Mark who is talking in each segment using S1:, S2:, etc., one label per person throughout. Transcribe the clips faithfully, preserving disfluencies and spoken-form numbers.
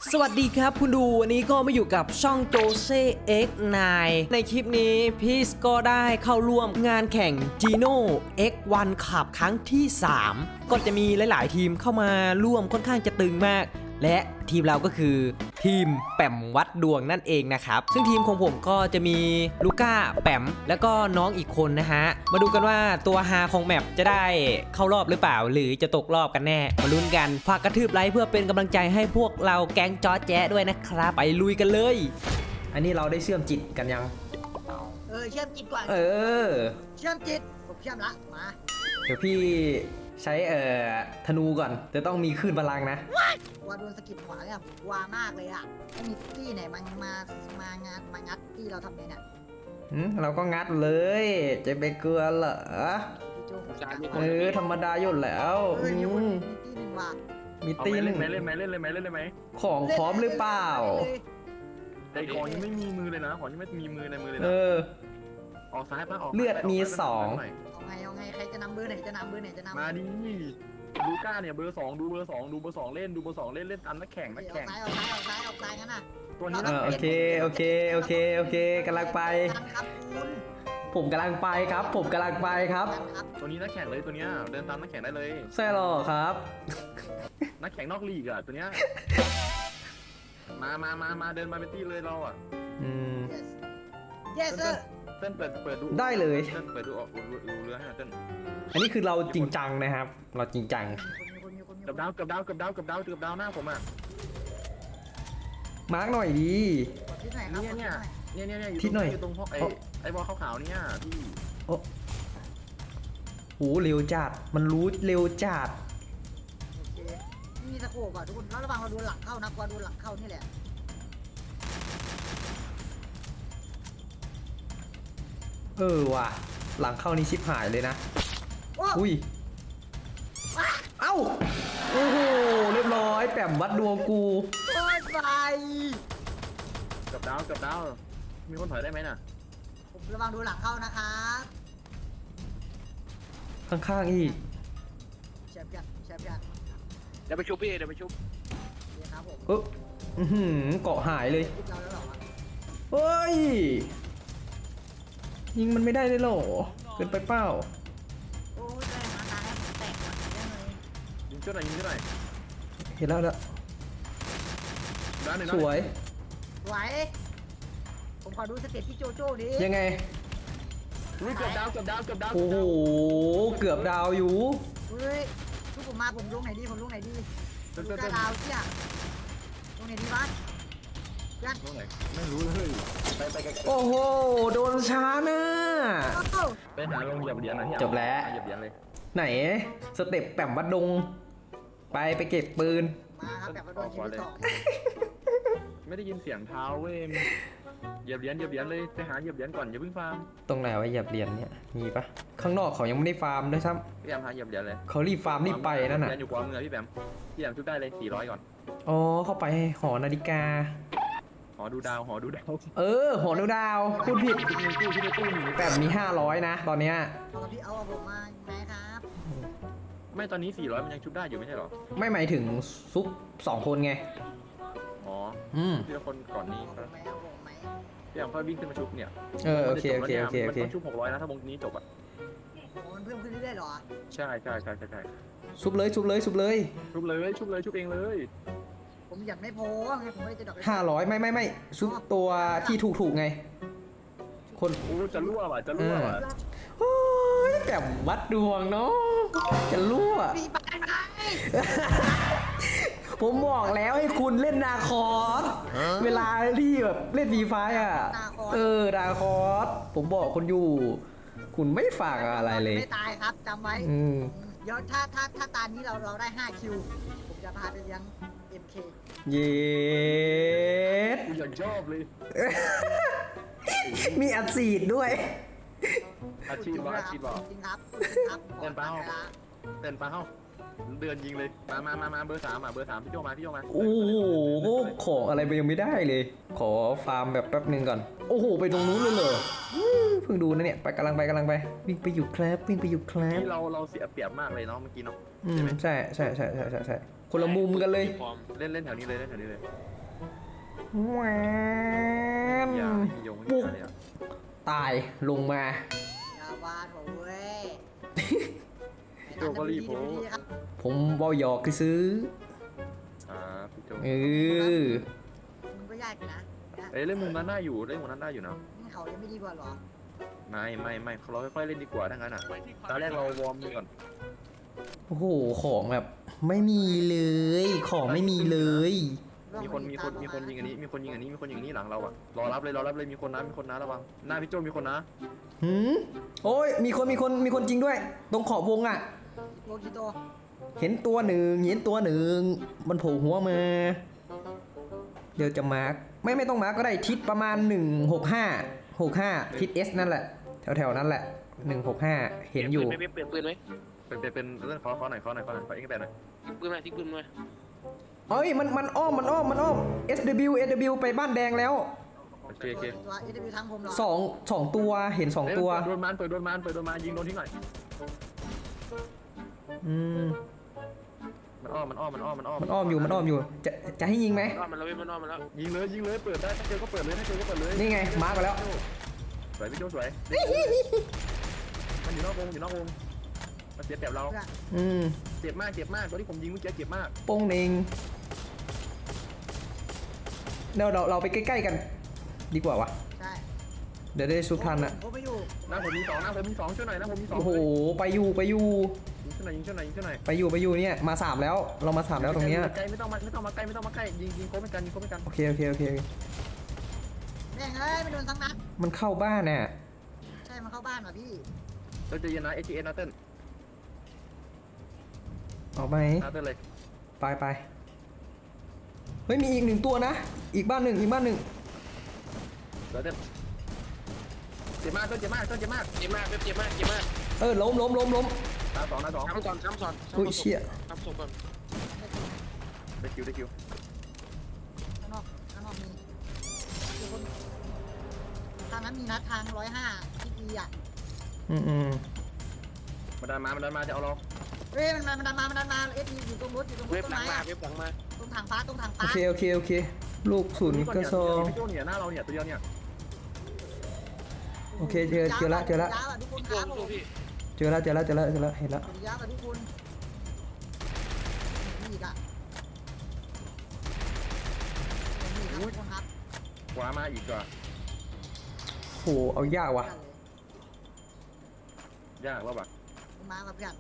S1: สวัสดีครับคุณดูวันนี้ก็มาอยู่กับช่องโจเซ่ เอ็กซ์ ไนน์ ในคลิปนี้พีชก็ได้เข้าร่วมงานแข่ง Geno เอ็กซ์ วัน Cup ครั้งที่สามก็จะมีหลายๆทีมเข้ามาร่วมค่อนข้างจะตึงมากและทีมเราก็คือทีมแปมวัดดวงนั่นเองนะครับซึ่งทีมของผมก็จะมีลูก้าแปมแล้วก็น้องอีกคนนะฮะมาดูกันว่าตัวฮาของแมปจะได้เข้ารอบหรือเปล่าหรือจะตกรอบกันแน่มาลุ้นกันฝากกระทืบไลค์เพื่อเป็นกำลังใจให้พวกเราแก๊งจอแจ๊ด้วยนะครับไปลุยกันเลยอันนี้เราได้เชื่อมจิตกันยัง
S2: เออเชื่อมจิตก่อน
S1: เออ
S2: เชื่อมจิตผมเชื่อมละมา
S1: เดี๋ยวพี่ใช้เอ่อธนูก่อนจะต้องมีคลื่นพลังนะ
S2: ว่าโดนสกิปขวาเนี่ยกลัวมากเลยอ่ะไม่มีที่ไหนมันมามางานมางัดที่เราทำเนี่ยเนี่ย
S1: อืมเราก็งัดเลยจะไปเกลือเหรอเออธรรมดาอยู่แล้ว
S2: มีตีหนึ่งว่ะ
S1: มีตีหนึ่ง
S3: เล่นไหมเล่นเลยไหมเล่นเลยไหม
S1: ของพร้อมหรือเปล่า
S3: แต่ของยังไม่มีมือเลยนะของยังไม่มีมือในมือเลยนะ
S1: เออ
S3: ออกซ้ายป่ะออก
S1: เลือดมีสอง
S2: เอาไงเอาไงใครจะนำเบอร์ไหนจะนำเบอร์ไหนจะนำ
S3: มาดิลูก้าเนี่ยเบอร์สองดูเบอร์สองดูเบอร์สองเล่นดูเบอร์สองเล่นเล่นตามนักแข่งนักแข่ง
S2: เอาซ้ายเอาซ้ายเอาซ้ายเอาซ้ายงั้นน่ะ
S3: ตัวนี้
S1: โอเคโอเคโอเคโอเคกำลังไปผมกำลังไปครับผมกำลังไปครับ
S3: ตัวนี้นักแข่งเลยตัวเนี้ยเดินตามนักแข่งได้เลย
S1: ใช่หรอครับ
S3: นักแข่งนอกลีกอ่ะตัวเนี้ยมามามามาเดินมาเป็นตี้เลยเราอ่ะ
S1: อืม
S2: yes sir
S3: เต้นเปิดเปิดดู
S1: ได้เลย
S3: เต้นเปิดดูออกดูเรือให้เต้น
S1: อันนี้คือเราจริงจังนะครับเราจริงจัง
S3: กับดาวกับดาวกับดาวกับดาวกับดาวหน้าผมอ่ะ
S1: มาร์กหน่อยดี
S3: เนี่ยเนี่ยเนี่ยเนี่ยอยู่ตรงอยู่ตรงพวกไอ้ไอ้บอลขาวๆเนี่ยพี่
S1: โอ้โหเร็วจัดมันรู้เร็วจัด
S2: มีตะโขบอ่ะทุกคนแล้วระวังเราโดนหลังเข้านะกว่าโดนหลังเข้านี่แหละ
S1: เออว่ะหลังเข้านี่ชิบหายเลยนะอุ้ยเอ้าโอ้โหเรียบร้อยแปมวัดดวงกู
S2: โอ้ยไป
S3: กับดาวกับดาวมีคนถอยได้ไหมน่ะ
S2: ผมระวังดูหลังเข้านะครับ
S1: ข้างๆอีก
S2: แชมป์กันแชมป์กัน
S3: เดี๋ยวไปชุบพี่เดี๋ยวไปชุบ
S2: นี่ครับผม
S1: เอออือหือเกาะหายเลยเฮ้ยยิงมันไม่ได้เลยหรอเกินไปเปล่า
S2: โอ้ยได้หาตาแล้วแตกหมดเลย
S3: ยิงช่วยหน่อยยิงช่วยหน่อย
S1: เห็นแล้วแล้วสวย
S2: สวยผมขอดูสเต็ปพี่โจโจ้ดิ
S1: ยังไง
S3: เกือบดาวเกือบดาวเกือบดาว
S1: โอ้โหเกือบดาวอยู่
S2: เฮ้ยทุกผมมาผมลงไหนดีผมลงไหนดีดูกระดาวเชี่ยลงไหนดีบ้านกัน
S3: ลงไหนไม่รู้เลยไปไปไกล
S1: โอ้โหโดนช้านะ
S3: ไปหาลงเหยียบเหรียญนะ
S1: จบแล้ว
S3: เหยียบเหรียญเลย
S1: ไหนสเต็ปแปมวัดดงไปไปเก็บปืน
S2: มาครับแบบวัดดงชิ้นที่สอง
S3: ไม่ได้ยินเสียงเท้าเว้ยเหยียบเหรียญเหยียบเหรียญเลยไปหาเหยียบเหรียญก่อนอย่าเพิ่งฟาร์ม
S1: ตรงไหนวะเหยียบเหรียญเนี่ยมีปะข้างนอกเขายังไม่ได้ฟาร์มด้วยซ้
S3: ำพี่แอมหาเหยียบเหรียญเลย
S1: เขารีบฟาร์มรีบไปนั่นน่ะ
S3: เหรียญอยู่ขวามือพี่แอมพี่แอมชุดได้เลยสี่ร้อยก่อน
S1: อ๋อเข้าไปหอนาฬิกา
S3: หอดูดาวหอดูดาว
S1: เออหอดูดาวพูดผิดแบบมีห้าร้อยนะตอนเนี้ย
S2: เอาพี่เอาผมมาไหมครับ
S3: ไม่ตอนนี้สี่ร้อยมันยังชุบได้อยู่ไม่ใช่หรอ
S1: ไม่หมายถึงซุปสองคนไง
S3: อ๋อ
S1: อืม
S3: ทีละคนก่อนนี้ครับพี่แอมค่อยวิ่งขึ้นมาชุบเนี่ย
S1: เออโอเคโอเคโอเคโอเค
S3: มันต้องชุบหกร้อยนะถ้าวงนี้จบอ่ะ
S2: มันเพิ่มขึ้นเรื่อยๆหรอ
S3: ใช่ใช่ใช่ใช่
S1: ชุบเลยชุบเลยชุบเลย
S3: ชุบเลยชุบเลยชุบเองเลย
S2: ผมอยากไม่พอไงผมไม่ได้จะดอก
S1: ห้าร้อยไม่ไม่ไม่ชุบตัวที่ถูกถูกไงคน
S3: โอ้จะรั่วว่ะจะรั่วว่ะ
S1: โอ้ยแบบวัดดวงเนาะจะรั่วผมบอกแล้วให้คุณเล่นนาคอสเวลาที่แบบเล่นดีไฟอ่ะเออนาคอสผมบอกคนอยู่คุณไม่ฝากอะไรเลย
S2: ไม่ตายครับจำไว้เดี๋ยวถ้าถ้าถ้าตานี้เราเราได้ห้าคิวผมจะพาไปเลี้ยง เอ็ม เค
S1: เย็ด
S3: อยากชอบเลย
S1: มีอัดฉีดด้วย
S3: อาชีพว่าอาชีพว่า
S2: จริงครับ
S3: เต้นเป้าเต้นเป้าเดือนยิงเลยมามามามาเบอร์สามอ่ะเบอร์สามพี่โจมาพี่โจมา
S1: โอ้โหขออะไรไปยังไม่ได้เลยขอฟาร์มแบบแป๊บนึงก่อนโอ้โหไปตรงนู้นเลยเหรอเพิ่งดูนะเนี่ยไปกำลังไปกำลังไปวิ่งไปอยู่ครับวิ่งไปอยู่ครับ
S3: ที่เราเราเสียเปรียบมากเลยเนาะเมื่อกี้เนาะ
S1: อืมใช่ใช่ใช่ใช่ใช่ใช่คนละมุมกันเลย
S4: พร้อม
S3: เล่นเล่นแถวนี้เลยเล่นแถวนี้เลย
S1: แหวน
S3: อย่าไม่มีโยงไม่มีอะไรอ่ะ
S1: ตายลงมา
S2: อยาวานผมเว้ย
S3: โจก็รีบโผล่
S2: ดีๆครับ
S1: ผมบอหยอกคือซื้อ
S3: อ่าพี่โจ
S1: เออ
S2: มึงก็ยากอยู่นะนะ
S3: เอ้ยเล่นมุมนั้นได้อยู่เล่นมุมนั้นได้อยู่นะ
S2: นี่เขายังไม่ดีกว่าเหรอ
S3: ไม่ไม่ไม่เราค่อยๆเล่นดีกว่าทั้งนั้นอ่ะตอนแรกเราวอร์มดูก่อน
S1: โอ้โหของแบบไม่มีเลยของไม่มีเลย
S3: มีคนมีคนมีคนยิงอันนี้มีคนยิงอันนี้มีคนยิงอันนี้หลังเราอ่ะรอรับเลยรอรับเลยมีคนนะมีคนนะระวังหน้าพี่โจมีคนนะ
S1: หืมโอ้ยมีคนมีคนมีคนจริงด้วย ตรงขอบวงอ่ะ
S2: โลกิโต
S1: เห็นตัวหนึ่งเห็นตัวหนึ่งมันโผล่หัวมา เดี๋ยวจะมาร์กไม่ไม่ต้องมาร์กก็ได้ทิศประมาณหนึ่งหกห้าหกห้าทิศ S นั่นแหละ แถวแถวๆนั้นแหละหนึ่งหกห้าเห็นอยู่
S4: เปลี่ยนปืนไหมเปลี่ยนปืนไหม
S3: เป็นเป็นเป็นเรื่องขอขอหน่อยขอหน่อยขอหน่อยขอเอ็กซ์แบนหน่อย
S4: ทิ้งปืนมาทิ้งปืนมา
S1: เอ้ยมันมันอ้อมมันอ้อมมันอ้อม S W S W ไปบ้านแดงแล้ว
S3: โอเคโอเค
S2: ตัวเอสบีทั้งผมเหรอ
S1: สองสองตัวเห็นสองตัว
S3: เปิดโดนมันเปิดโดนมันเปิดโดนมันยิงโดนทิ้งหน่อย
S1: อืม
S3: มันอ้อมมันอ้อมมันอ้อมมันอ้อม
S1: มันอ้อมอยู่มันอ้อมอยู่จะจะให้ยิงไหม
S4: นอนมันแล้วเว้ยมันนอนมันแล้ว
S3: ยิงเลยยิงเลยเปิดได้ถ้าเจอก็เปิดเลยถ้าเจอก็เปิดเลย
S1: นี่ไงมาร์กไปแล้ว
S3: สวยพี่โจสวยมันอยู่นอกวงอยู่นอกวงมันเสียเปรียบเรา
S2: เพื่อน
S1: อืม
S3: เจ็บมากเจ็บมากตัวที่ผมยิงเมื่อกี้เจ็บมาก
S1: โป้งเองเดี๋ยวเราเราไปใกล้ๆกัน ดีกว่าวะ
S2: ใช่
S1: เดี๋ยวได้สุทันอะ
S2: ผมไม่อยู่
S3: หน้าผมมีสองหน้าผมมีสองช่วยหน่อยหน้าผมมีสอง
S1: โอ้โหไปอยู่ไปอยู่
S3: ยิงช่วยหน่อยยิงช่วยหน่อยยิงช่วยหน่อย
S1: ไปอยู่ไปอยู่เนี่ยมาสามแล้วเรามาสามแล้วตรงเนี้ย
S3: ใกล้ไม่ต้องมาไม่ต้องมาใกล้ไม่ต้องมาใกล้ยิงยิงโค้งไม่กันยิงโค้งไม่กัน
S1: โอเคโอเคโอเค
S2: แม่งเอ้ยไม่โดนทั้งนัด
S1: มันเข้าบ้านน่ะ
S2: ใช่มันเข้าบ้านว่ะพี่
S3: เราจะเย็นนะเอจีเอนะเต้น
S1: ออกไหม
S3: นะเต้นเลย
S1: ไปไปเฮ้ยมีอีกหนึ่งตัวนะ อีกบ้านหนึ่งอีกบ้านหนึ่ง
S3: เดี๋ยวเต้นเจ็บมากเต้นเจ็บมากเต้นเจ็บมาก
S4: เจ็บมากเว็บเจ็บมากเจ็บมาก
S1: เออล้มล้มล้มล้ม
S3: หน้าสองหน้าสอง
S4: ซ้ำก่อนซ้ำซ้อน
S1: อุ้ยเชี่ย
S4: ซ้ำส่งก่อน
S3: ได้คิวได้คิว
S2: ข้างนอกข้างนอกมีมีคนทางนั้นมีนัดทางร้อยห้าที่ดีอ่ะ
S1: อืมอืม
S3: มันดันมามันดันมาจะเอาเรา
S2: เฮ้ยมันมันดันมามันดันมาเอสดีอยู่ตรงรถอยู่ตรงร
S4: เว็
S2: ถ
S4: บ
S2: ต้น
S4: หลัง
S2: ไม้
S4: มา
S2: อะ
S4: เว็บหลังมา
S2: ตรงถังฟ้าตรงถัง
S1: โอ
S2: ฟ้า
S1: เคโอเคโอเค ลูกศูนย์กระซอง
S3: พี่โจเนี่ยหน้าเราเนี่ยตัวเดียวเนี่ย
S1: โอเคเจอเจอละเจอละ
S2: ยาวอะทุกคนค
S4: ตัว
S2: รับผ
S4: ตัว
S2: ม
S4: พี่
S1: เจอแล้วเจอแล้วเจอแล้วเจอแล้วเห็นแล้ว
S2: สวัสดีครับทุกคนนี่อีกอ่ะนี่ครับทุกคนครับ
S3: ขวามาอีกก่อน
S1: โหเอายากว่ะ
S3: ยากแล้วป่ะ
S2: มาแบบอย่าง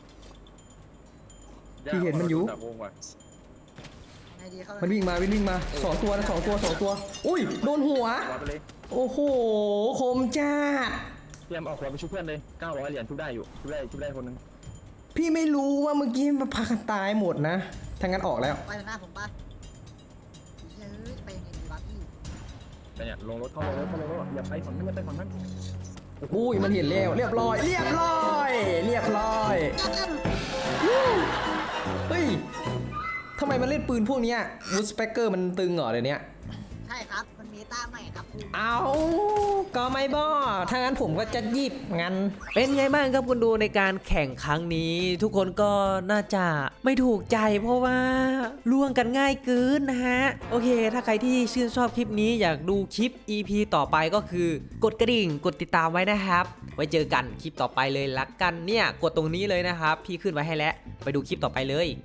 S1: พี่เห็นมันอยู่
S3: ดับวงว่ะ
S2: ไงดีเขา
S1: มันวิ่งมาวิ่งวิ่งมาสองตัวนะสองตัวสองตัว อุ้ยโดนหัว
S3: ขวาไปเลย
S1: โอ้โหคมจ้าด
S3: เตรียมเอาขวาไปชุบเพื่อนเลยเก้าร้อยเหรียญชุบได้อยู่ชุบได้ชุบได้คนนึง
S1: พี่ไม่รู้ว่าเมื่อกี้มันพากันตายหมดนะทางนั้นออกแล้ว
S2: ไปหน้าผมปะเฮ้ยไปยังไงดีวะพี่
S3: แต่เนี่ยลงรถเข้าลงรถเข้าลงรถอย่าไปฝั่งนั้นอย่าไปฝั่งนั้น
S1: อุ้ยมันเห็นแล้วเรียบร้อย เรียบร้อย เรียบร้อยเฮ้ยทำไมมันเล่นปืนพวกเนี้ยวูดสเปกเกอร์มันตึงเหรอเดี๋ยวนี้
S2: ใช่ครับมันมีต้าใหม่ครับคุณ
S1: เอาก็ไม่บอถ้างั้นผมก็จะหยิบงั้น
S5: เป็นไงบ้างครับคุณดูในการแข่งครั้งนี้ ทุกคนก็น่าจะไม่ถูกใจเพราะว่าล่วงกันง่ายเกินนะฮะ โอเค ถ้าใครที่ชื่นชอบคลิปนี้อยากดูคลิป อี พี ต่อไปก็คือกดกระดิ่งกดติดตามไว้นะครับ ไว้เจอกันคลิปต่อไปเลยละกันเนี่ยกดตรงนี้เลยนะครับ พี่ขึ้นไว้ให้แล้วไปดูคลิปต่อไปเลย